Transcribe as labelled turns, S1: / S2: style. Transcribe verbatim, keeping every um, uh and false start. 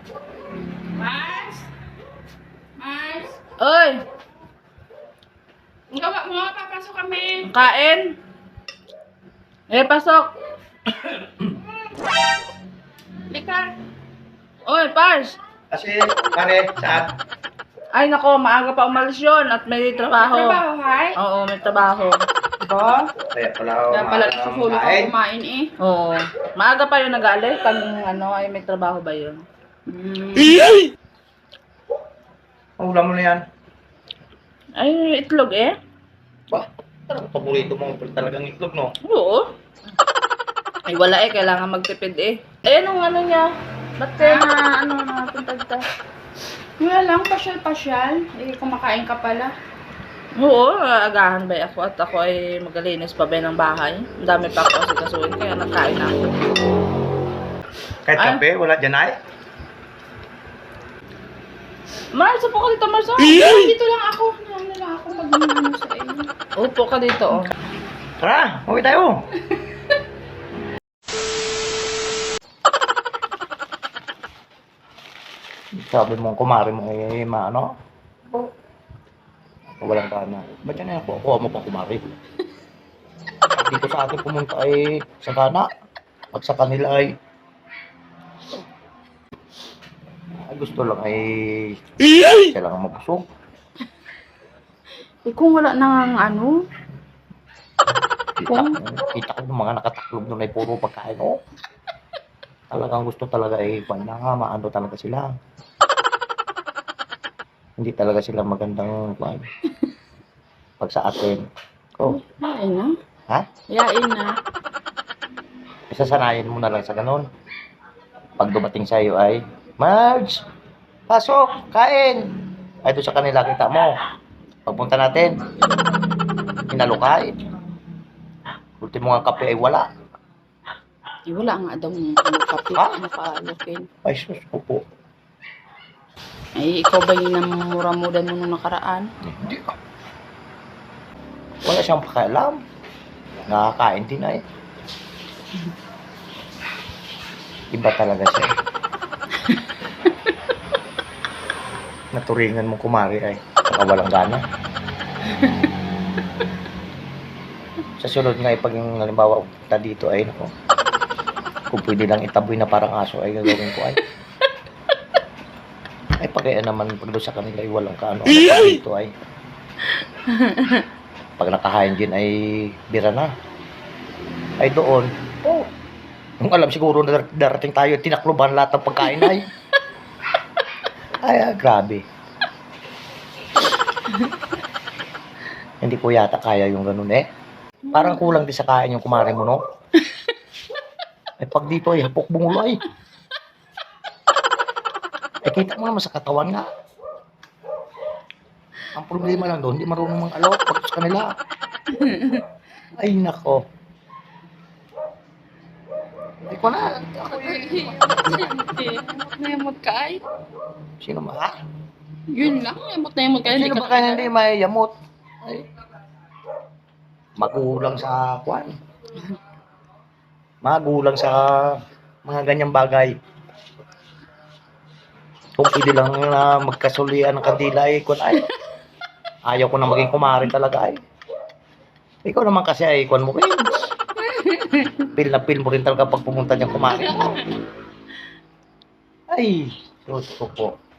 S1: Mars? Mars?
S2: Oy!
S1: Ang gawa mo, papasok kami.
S2: Kain? Eh, pasok.
S1: Lika.
S2: Oy, Pars!
S3: Kasi, pare, saan?
S2: Ay, nako, maaga pa umalis yun at may trabaho.
S1: Trabaho, hay?
S2: Oo, may trabaho.
S1: Ba?
S3: Kaya pala ako
S1: Kaya pala nasusulo ka
S3: kain.
S1: kumain eh.
S2: Oo. Maaga pa yun nag-aalis. Pag ano, ay may trabaho ba yun?
S1: Mm.
S3: Ang ulam mo na yan.
S2: Ay, itlog eh.
S3: Ba, talagang paborito mo talagang itlog, no?
S2: Oo. Ay, wala eh. Kailangan magtipid eh. Eh, anong ano niya? Ba't kaya na, ano, napunta
S1: Wala lang, pasyal-pasyal. Eh, kumakain ka pala.
S2: Oo, agahan ba ako at ako ay magalinis pa ba ng bahay. Ang dami pa ako kasi kasuin, kaya nagkain ako.
S3: Kahit
S2: Ay.
S3: kape, wala dyan ay.
S2: Mars, upo ka dito, Mars. Oh.
S1: Dito lang ako. Ano lang ako mag-ano sa iyo.
S2: Upo ka dito, oh.
S3: Tara, uwi tayo. Sabi mo, kumari mo eh, maano? Walang gana. Ba't yan ako? Kuha mo pang kumari. Dito sa atin pumunta ay sa gana. At sa kanila ay ay gusto lang ay siya lang ang mabusog.
S1: Eh, kung wala nang ano,
S3: Kita, kita ko yung mga nakataklob doon ay puro pagkain. Oh. Talagang gusto talaga eh, kung na nga, maano talaga sila. Hindi talaga sila magandang kwan. Pag sa atin. Oh,
S1: yain na.
S3: ha?
S1: Yain na.
S3: Isasanayin mo na lang sa ganun. Pag dumating sa iyo ay, Marge! Pasok! Kain! Ay, doon sa kanila kita mo. Pagpunta natin, hinalukay. Ultimo nga kape ay wala.
S1: Eh, wala nga daw ng ano, kapit
S3: Ha?
S1: na paalukin.
S3: Ay, sus ko po.
S1: Ay, ikaw ba yung namumura-mudan mo nung nakaraan?
S3: Hindi ah. Wala siyang pakialam. Nakakain din ay. Iba talaga siya. Naturingan mo kumari ay. Saka walang gana. Sa sunod nga, pag yung halimbawa punta dito ay, nako, kung pwede lang itaboy na parang aso ay gagawin ko ay. Ay, pagkaya naman pag doon sa kanila ay walang kaano. Ay, dito ay. Pag nakahain din ay bira na. Ay doon. Oh. Yung alam siguro na dar- darating tayo, tinakloban lahat ng pagkain ay. Ay, ah, grabe. Hindi ko yata kaya yung ganun eh. Parang kulang din sa kain yung kumari mo, no? Ay, pag dito ay hapok bungulo ay. Eh, kita mo naman sa katawan nga. Ang problema lang doon, hindi marunong mang alok pag sa kanila. Ay, nako. Ay, ko na. Ako yun.
S1: Na yamot ka ay.
S3: Sino ba?
S1: Yun lang, yamot na yamot ka. Hindi
S3: Sino
S1: ka
S3: ba kaya hindi may yamot? Ay. Magulang sa kwan. Magulang sa mga ganyang bagay. Kung pwede lang na magkasulian ng kandila ay kwan ay. Ayaw ko na maging kumari talaga ay. Ikaw naman kasi ay kwan mo rin. Pil na pil mo rin talaga pag pumunta niyang kumari mo. Ay, Diyos ko po.